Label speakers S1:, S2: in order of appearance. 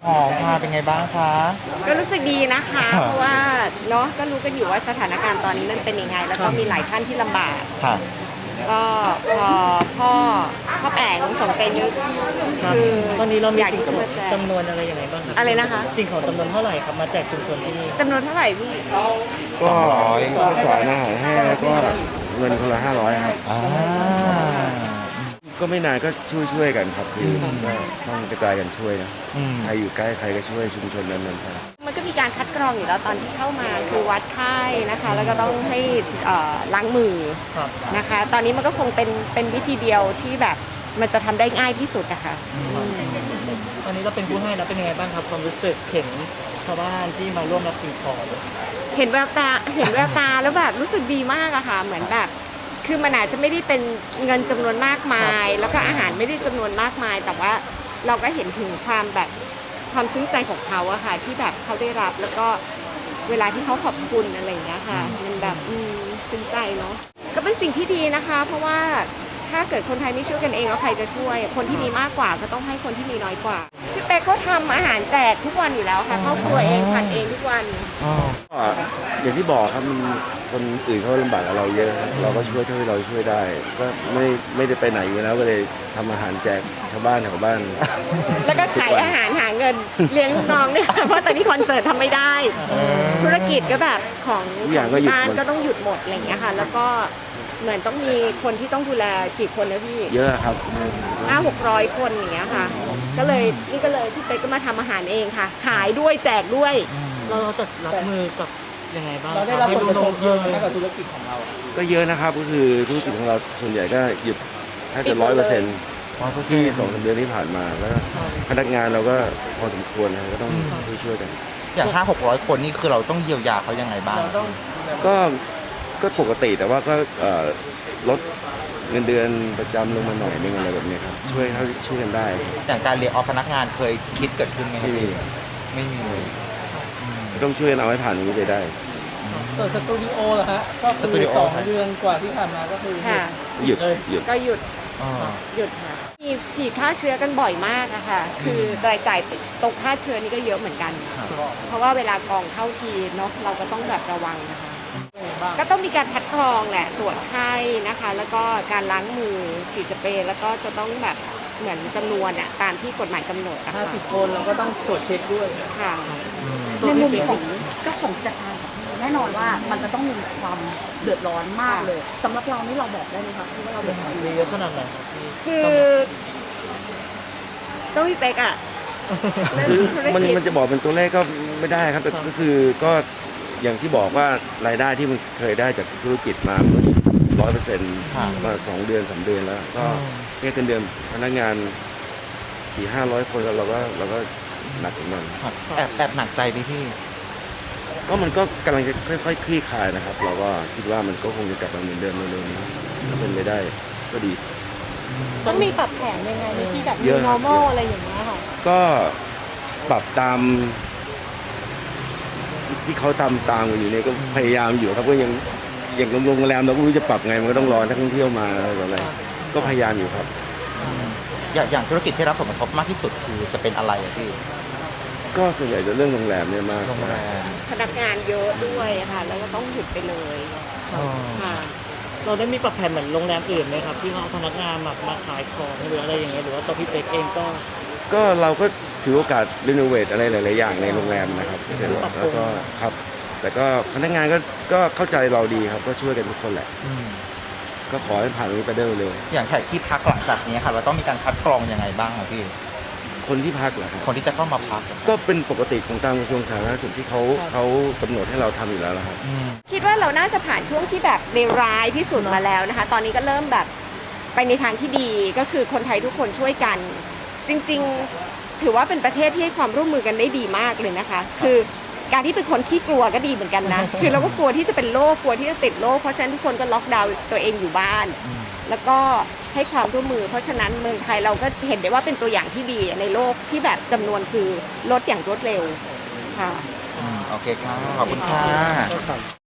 S1: หอมค่ะเป็นไงบ้างคะ
S2: ก็รู้สึกดีนะคะเพราะว่าเนาะก็รู้กันอยู่ว่าสถานการณ์ตอนนี้มันเป็นยังไงแล้วก็มีหลายท่านที่ลำบาก
S1: ค่ะ
S2: ก็พอพ่อแป๋งสมใจนึกคือ
S3: ตอนนี้เรามี
S2: อยาก
S3: สิ่งของ
S2: ที่จะมาแจก
S3: จำนวนอะไรยังไงบ้างครับ
S2: อะไรนะคะ
S3: สิ่งของจำนวนเท่าไหร่ครับมาแจกชุมชนที่นี่
S2: จำนวนเท่าไหร่พี่
S4: ก็
S1: 200
S4: ข้าวสารอาหารแห้งแล้วก็เงินคนละ500ครับ
S1: อ่า
S4: ก็ไม่นานก็ช่วยกันครับคือก็ต้องกระจายกันช่วยนะใครอยู่ใกล้ใครก็ช่วยชุมชนนั้นๆครับ
S2: มันก็มีการคัดกรองอยู่แล้วตอนที่เข้ามาคือวัดไข้นะคะแล้วก็ต้องให้ล้างมือนะคะตอนนี้มันก็คงเป็นวิธีเดียวที่แบบมันจะทำได้ง่ายที่สุดนะคะ
S3: ตอนนี้เราเป็นผู้ให้แล้วเป็นยังไงบ้างครับความรู้สึกเห็นชาวบ้านที่มาร่วมรับสิ่งของ
S2: เห็นแววตาแล้วแบบรู้สึกดีมากอะค่ะเหมือนแบบคือมันอาจจะไม่ได้เป็นเงินจำนวนมากมายแล้วก็อาหารไม่ได้จำนวนมากมายแต่ว่าเราก็เห็นถึงความแบบความซึ้งใจของเขาอะค่ะที่แบบเขาได้รับแล้วก็เวลาที่เขาขอบคุณอะไรอย่างเงี้ยค่ะมันแบบซึ้งใจเนาะก็เป็นสิ่งที่ดีนะคะเพราะว่าถ้าเกิดคนไทยไม่ช่วยกันเองแล้วใครจะช่วยคนที่มีมากกว่าก็ต้องให้คนที่มีน้อยกว่าพี่เป๊กเขาทำอาหารแจกทุกวันอยู่แล้วค่ะครอบครัวเองผัดเองทุกวัน
S4: ก็อย่างที่บอกครับมันคนอื่นเขาลำบากกับเราเยอะครับเราก็ช่วยเท่าที่เราช่วยได้ก็ไม่ได้ไปไหนอยู่แล้วก็เลยทำอาหารแจกชาวบ้านแถวบ้าน
S2: แล้วก็ขายอาหารหาเงินเลี้ยงลูกน้องเนี่ยเพราะตอนนี้คอนเสิร์ตทำไม่ได้ธุรกิจก็แบบของบ้านก็ต้องหยุดหมดอะไรอย่างเงี้ยค่ะแล้วก็เหมือนต้องมีคนที่ต้องดูแลกี่คนนะพี่
S4: เยอะครับ
S2: 500-600 คนอย่างเงี้ยค่ะก็เลยพี่เป๊กก็มาทำอาหารเองค่ะขายด้วยแจกด้วย
S3: เราจะรับมือกับยังไงบ้าง
S5: เราได้รับผลกระทบเยอะไหมกับธุรกิจของเรา
S4: ก็เยอะนะครับก็คือธุรกิจของเราส่วนใหญ่ก็หยุดแทบจะ100%ที่2-3 เดือนที่ผ่านมาแล้วพนักงานเราก็พอสมควรนะก็ต้องช่วยกัน
S1: อย่าง500-600 คนนี่คือเราต้องเยียวยาเขายังไงบ้าง
S4: ก็ปกติแต่ว่าก็ลดเงินเดือนประจำลงมาหน่อยนึงอะไรแบบนี้ครับช่วยกันได้
S1: อย่างการเรียกออพนักงานเคยคิดเกิดขึ้นไหมไม่มีเลย
S4: ต้องช่วยกันเอาให้ผ่านตรงนี้ไปได้
S5: ส่วนสตูดิโอเหรอฮะก็คือ2 เดือนกว่าที่ผ่านมาก็คือ
S4: หยุด
S2: ก็หยุดค่ะมีฉีดฆ่าเชื้อกันบ่อยมากอะค่ะคือรายจ่ายตรงค่าเชื้อนี่ก็เยอะเหมือนกันเพราะว่าเวลากองเข้าทีเนาะเราก็ต้องแบบระวังนะคะก็ต้องมีการคัดกรองแหละตรวจไข้นะคะแล้วก็การล้างมือฉีดสเปรย์แล้วก็จะต้องแบบเหมือนจำนวนอะตามที่กฎหมายกำหนด
S5: 50 คนเราก็ต้องตรวจเช็คด้วย
S2: ค่ะ
S6: ในมุมของเจ้าของกิจการแน่นอนว่ามันจะต้องมีความเดือดร้อนมากเลยสำหรับเรานี่เราบอกได้ไหมคะที่ว่าเราเดือดร้อน
S3: เยอะขนาดไหน
S2: คือต้องพี่เป๊กอะ
S4: มันจะบอกเป็นตัวเลขก็ไม่ได้ครับแต่ก็คือก็อย่างที่บอกว่ารายได้ที่มันเคยได้จากธุรกิจมา100%มา2 เดือน 3 เดือนแล้วก็แค่เดือนพนักงาน400-500 คนแล้วเราก็หนักเหมือนกัน
S1: แอบหนักใจไหมพี่
S4: ก็มันก็กำลังจะค่อยๆคลี่คลายนะครับเราก็คิดว่ามันก็คงจะกลับมาเหมือนเดิมเร็วๆนี้ถ้าเป็นไปได้ก็ดี
S6: ต้องมีปรับแผนยังไงที่แบบ new normal อะไรอย่างเงี้ยค่ะ
S4: ก็ปรับตามที่เขาตามอยู่เนี่ยก็พยายามอยู่ครับก็ยังอย่างโรงแรมเราก็ไม่รู้จะปรับไงมันก็ต้องรอนักท่องเที่ยวมาอะไรก็พยายามอยู่ครับ
S1: อย่างธุรกิจที่รับผลกระทบมากที่สุดคือจะเป็นอะไรพี่
S4: ก็ส่วนใหญ่จะเรื่องโรงแรมเนี่ยมาก
S2: พนักงานเยอะด้วยค่ะแล้วก็ต้องหยุดไปเลยค่ะ
S3: เราได้มีปรับแผนเหมือนโรงแรมอื่นไหมครับที่เขาเอาพนักงานมาขายของหรืออะไรอย่างเงี้ยหรือว่าตัวพี่เป๊กเอง
S4: ก็เราก็ถือโอกาสรีโนเวทอะไรหลายๆอย่างในโรงแรมนะครับแล้วก็ครับแต่ก็พนักงานก็เข้าใจเราดีครับก็ช่วยกันทุกคนแหละก็ขอให้ผ่านนี้ไปได้เร็ว
S1: อย่างแขกที่พักหลังจากนี้ค่ะเราต้องมีการคัดกรองยังไงบ้างครับพี่
S4: คนที่พักเหรอครับ
S1: คนที่จะเข้ามาพัก
S4: ก็เป็นปกติของทางกระทรวงสาธารณสุขที่เขากำหนดให้เราทำอยู่แล้วครับ
S2: คิดว่าเราน่าจะผ่านช่วงที่แบบเลวร้ายที่สุดมาแล้วนะคะตอนนี้ก็เริ่มแบบไปในทางที่ดีก็คือคนไทยทุกคนช่วยกันจริงๆถือว่าเป็นประเทศที่ให้ความร่วมมือกันได้ดีมากเลยนะคะคือการที่เป็นคนขี้กลัวก็ดีเหมือนกันนะคือเราก็กลัวที่จะเป็นโรคกลัวที่จะติดโรคเพราะฉะนั้นทุกคนก็ล็อกดาวน์ตัวเองอยู่บ้านแล้วก็ให้ความร่วมมือเพราะฉะนั้นเมืองไทยเราก็เห็นได้ว่าเป็นตัวอย่างที่ดีในโลกที่แบบจำนวนคือลดอย่างรวดเร็วค่ะ
S1: โอเคค่ะขอบคุณค่ะ